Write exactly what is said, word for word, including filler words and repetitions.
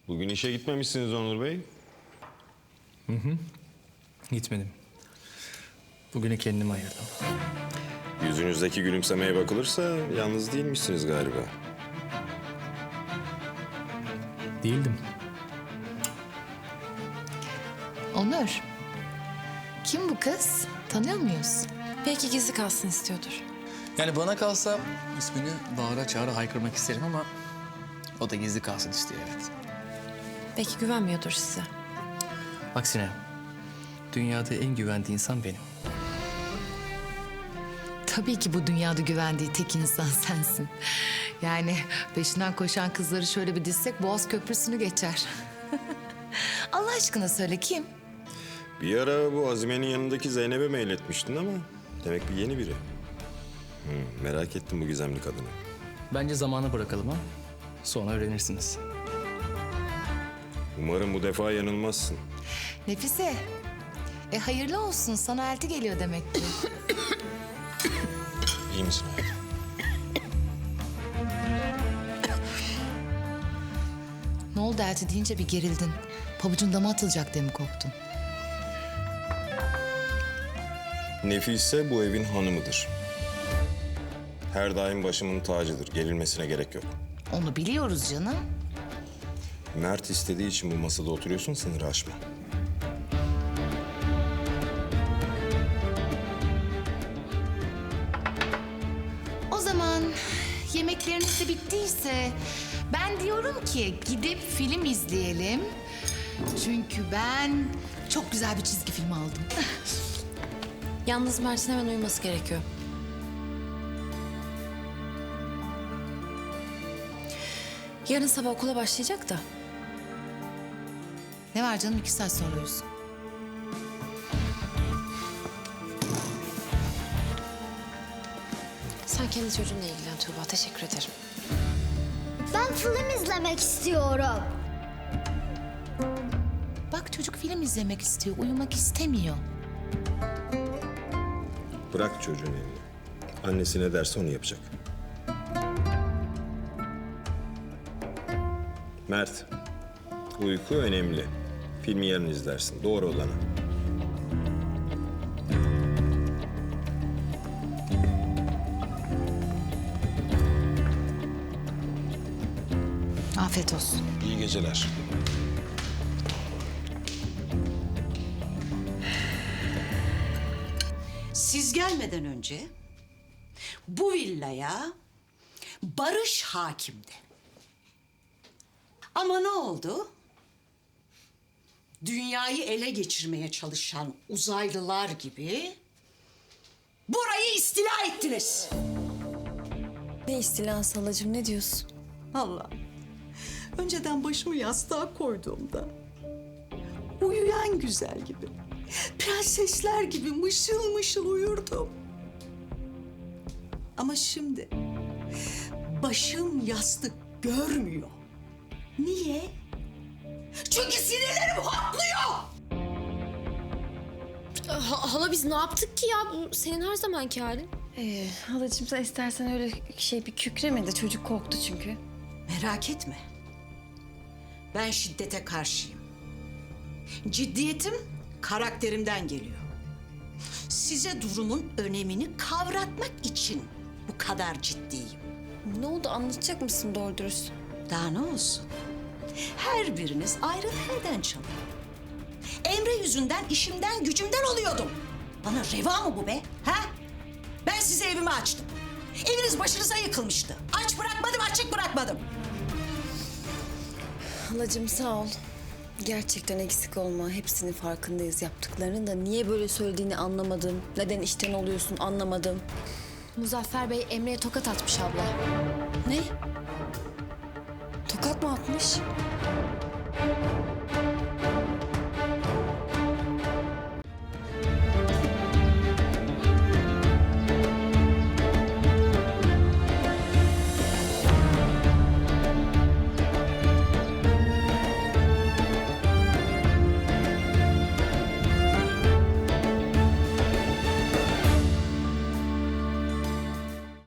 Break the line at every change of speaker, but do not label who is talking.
Bugün işe gitmemişsiniz Onur Bey.
Gitmedim. Bugünü kendime ayırdım.
Yüzünüzdeki gülümsemeye bakılırsa yalnız değilmişsiniz galiba.
Değildim.
Onur, kim bu kız? Tanıyor muyuz?
Belki gizli kalsın istiyordur.
Yani bana kalsa ismini bağıra çağıra haykırmak isterim ama o da gizli kalsın istiyor, evet.
Belki güvenmiyordur size.
Aksine dünyada en güvendiği insan benim.
Tabii ki bu dünyada güvendiği tek insan sensin. Yani peşinden koşan kızları şöyle bir dizsek Boğaz Köprüsü'nü geçer. Allah aşkına söyle kim?
Bir ara bu Azime'nin yanındaki Zeynep'e mail etmiştin ama demek bir yeni biri. Hı, merak ettim bu gizemli kadını.
Bence zamanı bırakalım ha. Sonra öğrenirsiniz.
Umarım bu defa yanılmazsın.
Nefise. E hayırlı olsun, sana elti geliyor demek ki.
İyi misin hayatım?
Ne oldu elti deyince bir gerildin. Pabucun dama atılacak diye mi korktun?
Nefise bu evin hanımıdır. Her daim başımın tacıdır. Gerilmesine gerek yok.
Onu biliyoruz canım.
Mert istediği için bu masada oturuyorsun, sınırı aşma.
O zaman yemekleriniz de bittiyse ben diyorum ki gidip film izleyelim. Çünkü ben çok güzel bir çizgi film aldım.
Yalnız Mert'in hemen uyuması gerekiyor. Yarın sabah okula başlayacak da.
Ne var canım, iki saat sonra uyusun.
Sen kendi çocuğunla ilgilen Tuğba. Teşekkür ederim.
Ben film izlemek istiyorum.
Bak çocuk film izlemek istiyor, uyumak istemiyor.
Bırak çocuğun elini. Annesi ne derse onu yapacak. Mert, uyku önemli. Filmi yarın izlersin. Doğru olanı.
Afiyet olsun.
İyi geceler.
Siz gelmeden önce bu villaya Barış hakimdi. Ama ne oldu? Dünyayı ele geçirmeye çalışan uzaylılar gibi burayı istila ettiniz.
Ne istilası halacığım, ne diyorsun?
Allah. Önceden başımı yastığa koyduğumda uyuyan güzel gibi, prensesler gibi mışıl mışıl uyurdum. Ama şimdi başım yastık görmüyor. Niye? Çünkü sinirlerim hoplıyor.
Ha- hala biz ne yaptık ki ya? Bu senin her zamanki halin.
Ee, halacığım sen istersen öyle şey bir kükreme de çocuk korktu çünkü.
Merak etme. Ben şiddete karşıyım. Ciddiyetim karakterimden geliyor. Size durumun önemini kavratmak için bu kadar ciddiyim.
Ne oldu, anlatacak mısın doğru dürüst?
Daha ne olsun? Her biriniz ayrı nereden çalıyor? Emre yüzünden işimden gücümden oluyordum. Bana reva mı bu be? Ha? Ben size evimi açtım. Eviniz başınıza yıkılmıştı. Aç bırakmadım, açık bırakmadım.
Halacığım sağ ol. Gerçekten eksik olma. Hepsinin farkındayız yaptıklarının da. Niye böyle söylediğini anlamadım. Neden işten oluyorsun anlamadım.
Muzaffer Bey Emre'ye tokat atmış abla.
Ne? Tokat mı atmış?